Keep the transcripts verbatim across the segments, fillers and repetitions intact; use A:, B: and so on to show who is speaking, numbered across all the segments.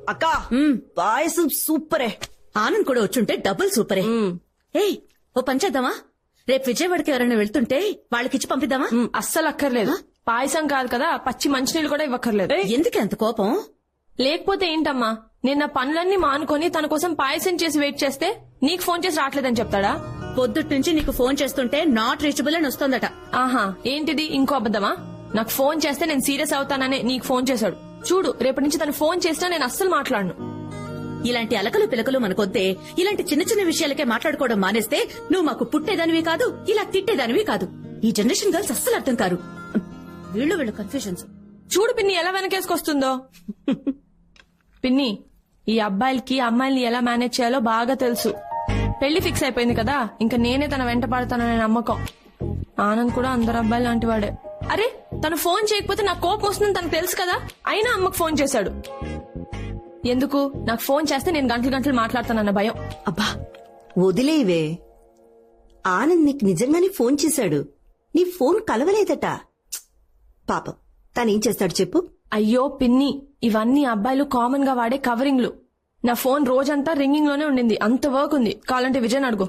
A: అక్క పాయసం సూపరే.
B: ఆనంద్ కూడా వచ్చుంటే డబుల్ సూపరే. ఏయ్ ఓ పంచేద్దామా? రేపు విజయవాడకి ఎవరైనా వెళ్తుంటే వాళ్ళకిచ్చి పంపిద్దామా?
C: అస్సలు అక్కర్లేదు. పాయసం కాదు కదా, పచ్చి మంచినీళ్ళు కూడా ఇవ్వక్కర్లేదు.
B: ఎందుకు అంత కోపం?
C: లేకపోతే ఏంటమ్మా, నేను నా పనులన్నీ మానుకొని తన కోసం పాయసం చేసి వెయిట్ చేస్తే నీకు ఫోన్ చేసి రావట్లేదని చెప్తాడా?
B: పొద్దుట్ నుంచి నీకు ఫోన్ చేస్తుంటే నాట్ రీచబుల్ అని వస్తోందట.
C: ఆహా, ఏంటిది ఇంకో అబద్దమా? నాకు ఫోన్ చేస్తే నేను సీరియస్ అవుతాననే నీకు ఫోన్ చేశాడు. చూడు, రేపటి నుంచి తను ఫోన్ చేసినా నేను అస్సలు మాట్లాడను.
B: ఇలాంటి అలకలు పిలకలు మనకొద్దే. ఇలాంటి చిన్న చిన్న విషయాలకే మాట్లాడుకోవడం మానేస్తే నువ్వు మాకు పుట్టేదానివి కాదు, ఇలా తిట్టేదానివి కాదు. ఈ జనరేషన్ గర్ల్స్ అస్సలు అర్థం కారు. వీళ్ళు వీళ్ళు కన్ఫ్యూజన్స్.
C: చూడు పిన్ని ఎలా వెనకేసుకొస్తుందో. పిన్ని, ఈ అబ్బాయిలకి అమ్మాయిల్ని ఎలా మేనేజ్ చేయాలో బాగా తెలుసు. పెళ్లి ఫిక్స్ అయిపోయింది కదా, ఇంకా నేనే తన వెంట పడతాననే నమ్మకం. ఆనంద్ కూడా అందరు అబ్బాయి లాంటి వాడే. అరే, తను ఫోన్ చేయకపోతే నాకు కోపం వస్తుందని తనకు తెలుసు కదా, అయినా అమ్మకు ఫోన్ చేశాడు. ఎందుకు? నాకు ఫోన్ చేస్తే నేను గంటలు గంటలు మాట్లాడతానన్న భయం.
A: అబ్బా వదిలేవే. ఆనంద్ నీకు నిజంగానే ఫోన్ చేశాడు. నీ ఫోన్ కలవలేదట. పాపం తనేం చేస్తాడు చెప్పు.
C: అయ్యో పిన్ని, ఇవన్నీ అబ్బాయిలు కామన్ గా వాడే కవరింగ్లు. నా ఫోన్ రోజంతా రింగింగ్ లోనే ఉండింది. అంత వర్క్ ఉంది. కావాలంటే విజయ్ అడుగు.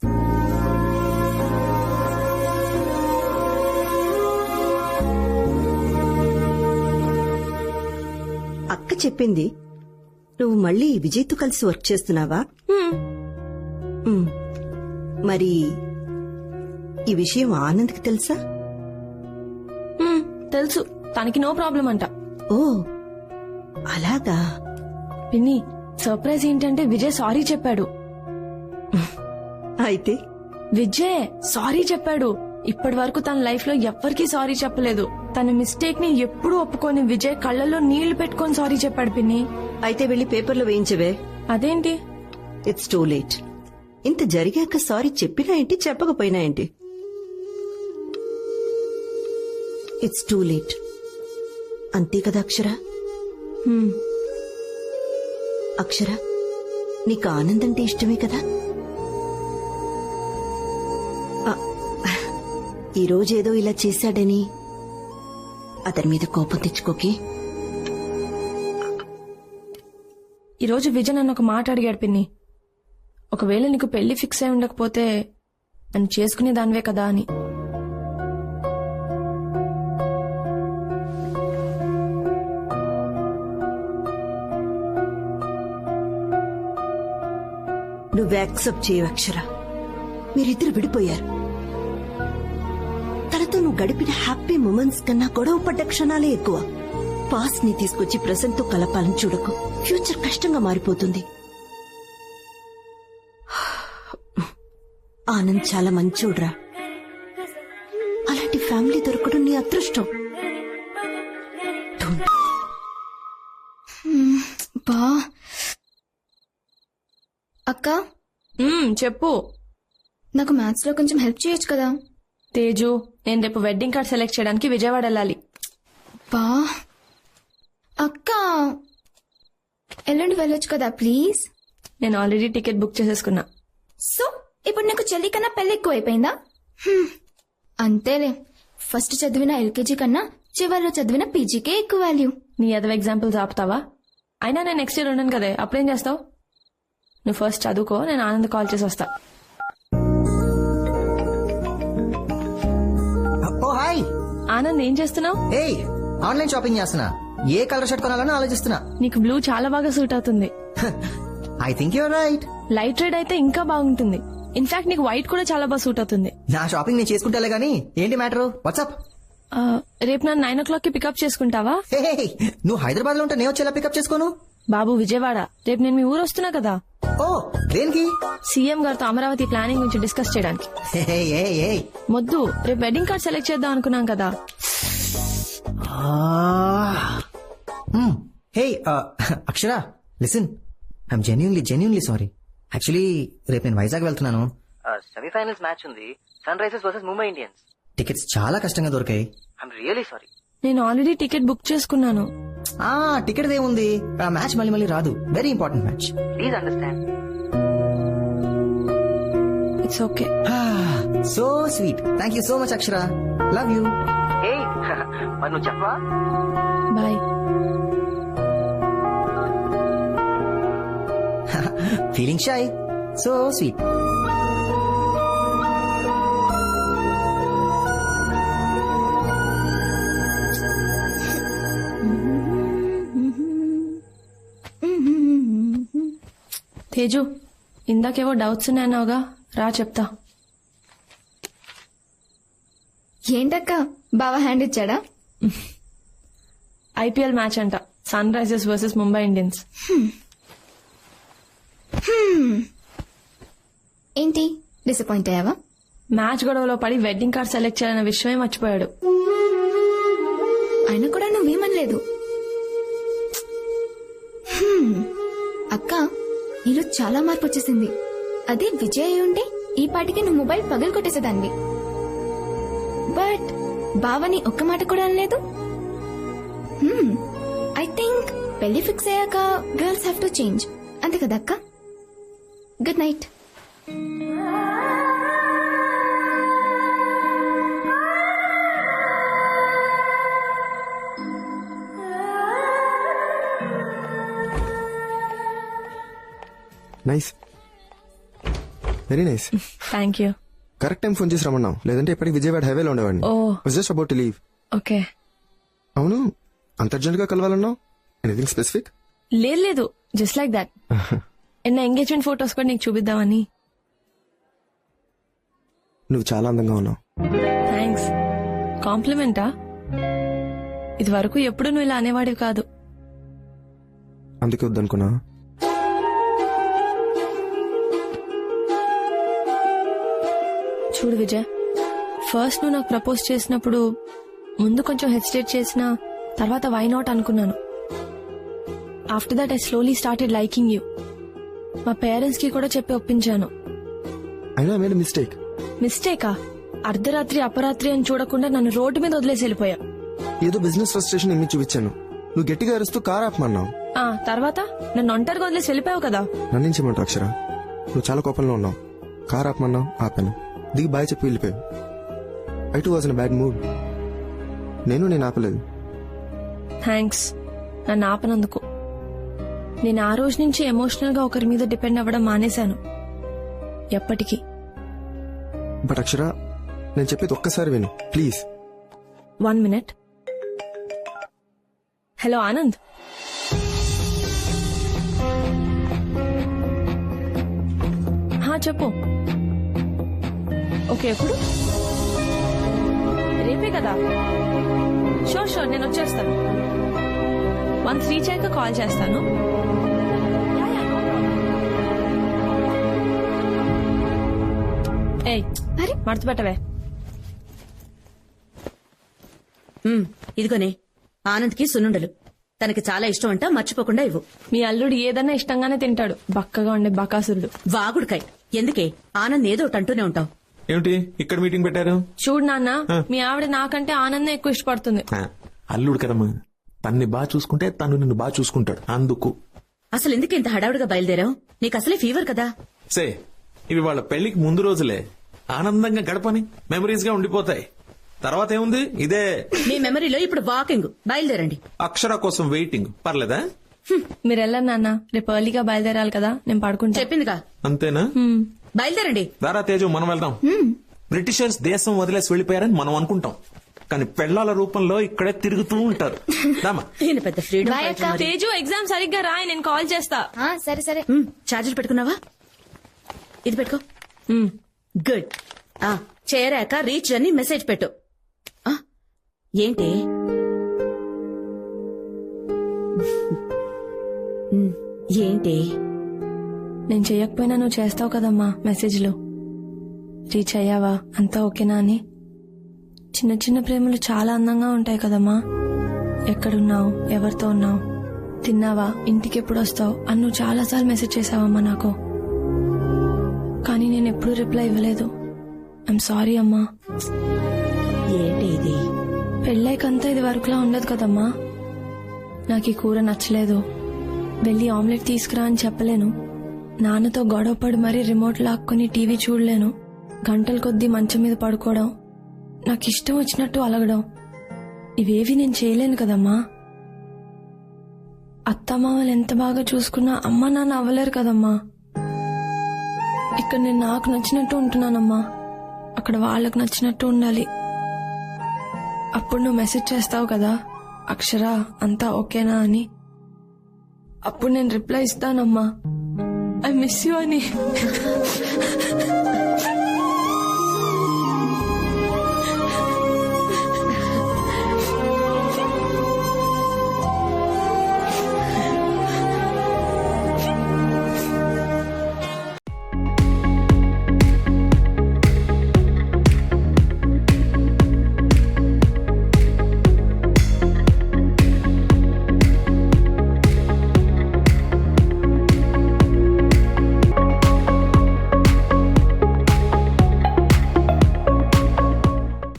A: అక్క చెప్పింది నువ్వు మళ్ళీ విజయ్తో కలిసి వర్క్ చేస్తున్నావా? ఉమ్. మరి ఈ విషయం ఆనంద్కి తెలుసా?
C: హ్మ్, తెలుసు. తనకి నో ప్రాబ్లం అంట.
A: ఓ అలాగా.
C: పిన్ని, సర్ప్రైజ్ ఏంటంటే విజయ్ సారీ చెప్పాడు.
A: అయితే
C: విజయ్ సారీ చెప్పాడు. ఇప్పటి వరకు తన లైఫ్ లో ఎవ్వరికీ సారీ చెప్పలేదు. తన మిస్టేక్ ని ఎప్పుడూ ఒప్పుకొని విజయ్ కళ్ళల్లో నీళ్లు పెట్టుకొని సారీ చెప్పాడు పిన్ని.
A: అయితే వెళ్లి పేపర్లో వేయించవే.
C: అదేంటి?
A: It's too late. ఇంత జరిగాక సారీ చెప్పినా ఏంటి, చెప్పకపోయినా ఏంటి? It's too late. అంతే కదా అక్షర? అక్షర, నీకు ఆనంద్ అంటే ఇష్టమే కదా? ఈరోజేదో ఇలా చేశాడని అతని మీద కోపం తెచ్చుకోకే.
C: ఈరోజు విజయ్ నన్ను ఒక మాట అడిగాడు పిన్ని. ఒకవేళ నీకు పెళ్లి ఫిక్స్ అయి ఉండకపోతే నన్ను చేసుకునే దానివే కదా అని.
A: నువ్వు యాక్సెప్ట్ చేయవు అక్షర. మీరిద్దరు విడిపోయారు. తనతో నువ్వు గడిపిన హ్యాపీ మూమెంట్స్ కన్నా గొడవ పడ్డ క్షణాలే ఎక్కువ. పాస్ట్ ని తీసుకొచ్చి ప్రెసెంట్ తో కలపాలని చూడకు. ఫ్యూచర్ కష్టంగా మారిపోతుంది. ఆనంద్ చాలా మంచోడ్రా. అలాంటి ఫ్యామిలీ దొరకడం నీ అదృష్టం.
D: బా అక్క,
C: చెప్పు.
D: నాకు మ్యాథ్స్ లో కొంచెం హెల్ప్ చేయొచ్చు కదా?
C: తేజు, నేను రేపు వెడ్డింగ్ కార్డ్ సెలెక్ట్ చేయడానికి విజయవాడ వెళ్ళాలి.
D: బా అక్క, ఎల్లుండి వెళ్ళొచ్చు కదా ప్లీజ్?
C: నేను ఆల్రెడీ టికెట్ బుక్ చేసేసుకున్నా.
D: సో ఇప్పుడు నాకు చెల్లి కన్నా పెళ్లి ఎక్కువ అయిపోయిందా? అంతేలే. ఫస్ట్ చదివిన ఎల్కేజీ కన్నా చివరిలో చదివిన పీజీకే ఎక్కువ వాల్యూ.
C: నీ అదవ ఎగ్జాంపుల్స్ ఆపుతావా? అయినా నేను నెక్స్ట్ ఇయర్ ఉన్నాను కదే, అప్పుడేం చేస్తావు? నువ్వు ఫస్ట్ చదువుకో, నేను ఆనంద్ కాల్ చేసి వస్తా.
E: ఓ హాయ్
C: ఆనంద్, ఏం చేస్తున్నావు?
E: ఏయ్, ఆన్లైన్ షాపింగ్ చేస్తున్నా. ఏ కలర్ షర్ట్ కొనాలని ఆలోచిస్తున్నా.
C: నీకు బ్లూ చాలా బాగా సూట్ అవుతుంది.
E: I think your right.
C: Light red అయితే ఇంకా బాగుంటుంది. ఇన్ఫాక్ట్ నీకు వైట్ కూడా చాలా బాగా సూట్ అవుతుంది.
E: నా షాపింగ్ నేను చేసుకుంటాలే గానీ ఏంటి మ్యాటర్? వాట్సాప్?
C: రేపు నన్ను నైన్ ఓ క్లాక్ కి పికప్ చేసుకుంటావా?
E: నువ్వు హైదరాబాద్ లో ఉంటే నేను వచ్చేలా పికప్ చేసుకోను.
C: బాబు విజయవాడ, రేపు నేను మీ ఊరు వస్తున్నా కదా.
E: ఓ దేనికి?
C: సీఎం గారితో అమరావతి ప్లానింగ్ గురించి డిస్కస్ చేయడానికి. మొద్దు, రేపు వెడ్డింగ్ కార్డ్ సెలెక్ట్ చేద్దాం అనుకున్నాం కదా.
E: Hey Akshara, listen, I'm genuinely genuinely sorry. Actually రేపు నేను వైజాగ్ వెళ్తున్నాను. సెమీఫైనల్స్ మ్యాచ్ ఉంది, Sunrisers versus Mumbai Indians. Tickets చాలా కష్టంగా దొరికాయి. I'm really sorry.
C: నేను ఆల్రెడీ టికెట్ బుక్ చేసుకున్నాను.
E: ఆ టికెట్ ఏముంది, ఆ మ్యాచ్ మళ్ళీ మళ్ళీ రాదు. Very important match. Please understand.
C: It's okay.
E: So sweet. Thank you so much Akshara. Love you. మరి నువ్వు చెప్పవా?
C: Bye.
E: Feeling shy, so sweet.
C: Teju, ఇందాకేవో doubts ఉన్నాయన్నావుగా, రా చెప్తా.
D: ఏంటక్క బావా హ్యాండ్ ఇచ్చాడా?
C: ఐపీఎల్ మ్యాచ్ అంట, Sunrisers versus Mumbai Indians.
D: ఏంటి డిసప్పాయింట్ అయ్యావా?
C: మ్యాచ్ గొడవలో పడి వెడ్డింగ్ కార్డ్ సెలెక్ట్ చేయాలన్న విషయమే మర్చిపోయాడు.
D: అయినా కూడా నువ్వేమనలేదు. హ్మ్. అక్క నీలో చాలా మార్పు వచ్చేసింది. అదే విజయ్ అయి ఉంటే ఈ పాటికి నువ్వు మొబైల్ పగలు కొట్టేసేదాన్ని. బట్ బావని ఒక్క మాట కూడా అనలేదు. ఐ థింక్ పెళ్లి ఫిక్స్ అయ్యాక గర్ల్స్ హ్యావ్ టు చేంజ్, అంతే కదా అక్క? Good night.
F: Nice, very nice.
C: Thank you.
F: Correct time phone చేసి రమ్మన్నావు, లేదంటే ఇప్పటికి విజయవాడ హైవేలో ఉండేవాడిని.
C: Oh.
F: Just about to leave.
C: Okay.
F: అవును, అంత అర్జెంట్ గా కలవాలన్నావు? Anything specific?
C: లేదు లేదు, జస్ట్ లైక్ దాట్. ఎన్న ఎంగేజ్మెంట్ ఫొటోస్ కూడా నీకు చూపిద్దామని.
F: నువ్వు చాలా అందంగా ఉన్నావు.
C: థ్యాంక్స్. కాంప్లిమెంటా? ఇది వరకు ఎప్పుడు నువ్వు ఇలా అనేవాడివి కాదు.
F: అందుకే వద్దనుకున్నా.
C: చూడు విజయ్, ఫస్ట్ నువ్వు నాకు ప్రపోజ్ చేసినప్పుడు ముందు కొంచెం హెసిటేట్ చేసినా తర్వాత వై నాట్ అనుకున్నాను. After that I slowly started liking you. మా పేరెంట్స్ కి కూడా చెప్పి ఒప్పించాను.
F: అయినా మేడ్ మిస్టేక్.
C: మిస్టేకా? అర్ధరాత్రి అపరాత్రి అని చూడకుండా నన్ను రోడ్డు మీద వదిలేసి వెళ్ళిపోయా.
F: ఏదో బిజినెస్ ఫ్రస్ట్రేషన్ ఇమ్మి చూపించాను. నువ్వు గట్టిగా అరుస్తూ కార్ ఆపమన్నావు.
C: ఆ తర్వాత నన్ను ఒంటరిగా వదిలేసి వెళ్ళిపోయావు కదా.
F: నన్నించమంటావు అక్షర. నువ్వు చాలా కోపంలో ఉన్నావు. కార్ ఆపమన్నావు, ఆపాను. దిగి బాయ్ చెప్పి వెళ్ళిపోయావు. I too was in bad mood. నేను నేను ఆపలేదు.
C: థ్యాంక్స్ నన్ను ఆపనందుకు. నేను ఆ రోజు నుంచి ఎమోషనల్ గా ఒకరి మీద డిపెండ్ అవ్వడం మానేశాను. ఎప్పటికీ.
F: బట్ అక్షర, నేను చెప్పేది ఒక్కసారి విను please.
C: One minute. Hello Anand. హా చెప్పు. ఓకే, ఎప్పుడు? రేపే కదా. షూర్ షూర్ నేను వచ్చేస్తాను. వన్స్ రీచ్ అయ్యాక కాల్ చేస్తాను. ఏయ్
D: అరే
C: మడత పెట్టవే.
B: ఉమ్, ఇదిగోనే ఆనంద్కి సున్నుండలు. తనకి చాలా ఇష్టం అంట, మర్చిపోకుండా ఇవ్వు.
C: మీ అల్లుడు ఏదన్నా ఇష్టంగానే తింటాడు, బక్కగా ఉండే బకాసురుడు.
B: వాగుడుకాయ్. ఎందుకే ఆనంద్ ఏదో ఒకటి అంటూనే ఉంటావు.
G: ఏమిటి ఇక్కడ మీటింగ్ పెట్టారు?
C: చూడు నాన్న, మీ ఆవిడ నాకంటే ఆనందం ఎక్కువ ఇష్టపడుతుంది.
G: ఆ, అల్లుడు కదమ్మా, తన్ని బాగా చూసుకుంటే తను నిన్ను బాగా చూసుకుంటాడు. అందుకు
B: అసలు ఎందుకు ఇంత హడావుడిగా బయలుదేరావు? నీకు అసలే ఫీవర్ కదా.
G: సే ఇవి వాళ్ళ పెళ్లికి ముందు రోజులే. ఆనందంగా గడపని మెమరీస్ గా ఉండిపోతాయి. తర్వాత ఏముంది, ఇదే
B: మీ మెమరీలో ఇప్పుడు వాకింగ్. బయలుదేరండి.
G: అక్షర కోసం వెయిటింగ్. పర్లేదా?
C: మీరు వెళ్ళండి నాన్న, రేపు ఎర్లీగా బయలుదేరాలి కదా, నేను పడుకుంటా.
B: చెప్పిందిగా.
G: అంతేనా?
C: హ్మ్.
B: బయలుదేరండి.
G: దారా తేజు, మనం వెళ్దాం. బ్రిటిషర్స్ దేశం వదిలేసి వెళ్లిపోయారని మనం అనుకుంటాం, కానీ పెళ్లాల రూపంలో ఇక్కడే తిరుగుతూ ఉంటారు. రామా.
B: ఈయన పెద్ద ఫ్రీడమ్
D: Bye,
B: ఫైటర్
D: అక్క.
B: మరి.
C: తేజు ఎగ్జామ్ సరిగ్గా రాయి, నేను కాల్ చేస్తా.
D: ఆ, సరే సరే.
B: ఉమ్, ఛార్జర్ పెట్టుకున్నావా? ఇది పెట్టుకో.
C: హ్మ్.
B: గుడ్. ఆ చేరాక రీచ్ అని మెసేజ్ పెట్టు. ఆ, ఏంటి? ఉమ్, ఏంటి?
C: నేను చెయ్యకపోయినా నువ్వు చేస్తావు కదమ్మా మెసేజ్లు. రీచ్ అయ్యావా, అంతా ఓకేనా అని. చిన్న చిన్న ప్రేమలు చాలా అందంగా ఉంటాయి కదమ్మా. ఎక్కడున్నావు, ఎవరితో ఉన్నావు, తిన్నావా, ఇంటికి ఎప్పుడు వస్తావు అని నువ్వు చాలాసార్లు మెసేజ్ చేసావమ్మా నాకు. కానీ నేను ఎప్పుడూ రిప్లై ఇవ్వలేదు. ఐఎమ్ సారీ అమ్మా.
B: ఏంటి ఇది?
C: పెళ్ళైకంతా ఇది వరకులా ఉండదు కదమ్మా. నాకు ఈ కూర నచ్చలేదు, వెళ్ళి ఆమ్లెట్ తీసుకురా అని చెప్పలేను. నాన్నతో గొడవపడి మరీ రిమోట్ లాక్కుని టీవీ చూడలేను. గంటల కొద్దీ మంచం మీద పడుకోవడం, నాకు ఇష్టం వచ్చినట్టు అలగడం, ఇవేవి నేను చేయలేను కదమ్మా. అత్తమామలు ఎంత బాగా చూసుకున్నా అమ్మ నాన్న అవ్వలేరు కదమ్మా. ఇక్కడ నేను నాకు నచ్చినట్టు ఉంటున్నానమ్మా, అక్కడ వాళ్ళకు నచ్చినట్టు ఉండాలి. అప్పుడు నువ్వు మెసేజ్ చేస్తావు కదా, అక్షర అంతా ఓకేనా అని. అప్పుడు నేను రిప్లై ఇస్తానమ్మా, ఐ మిస్ యూ అని.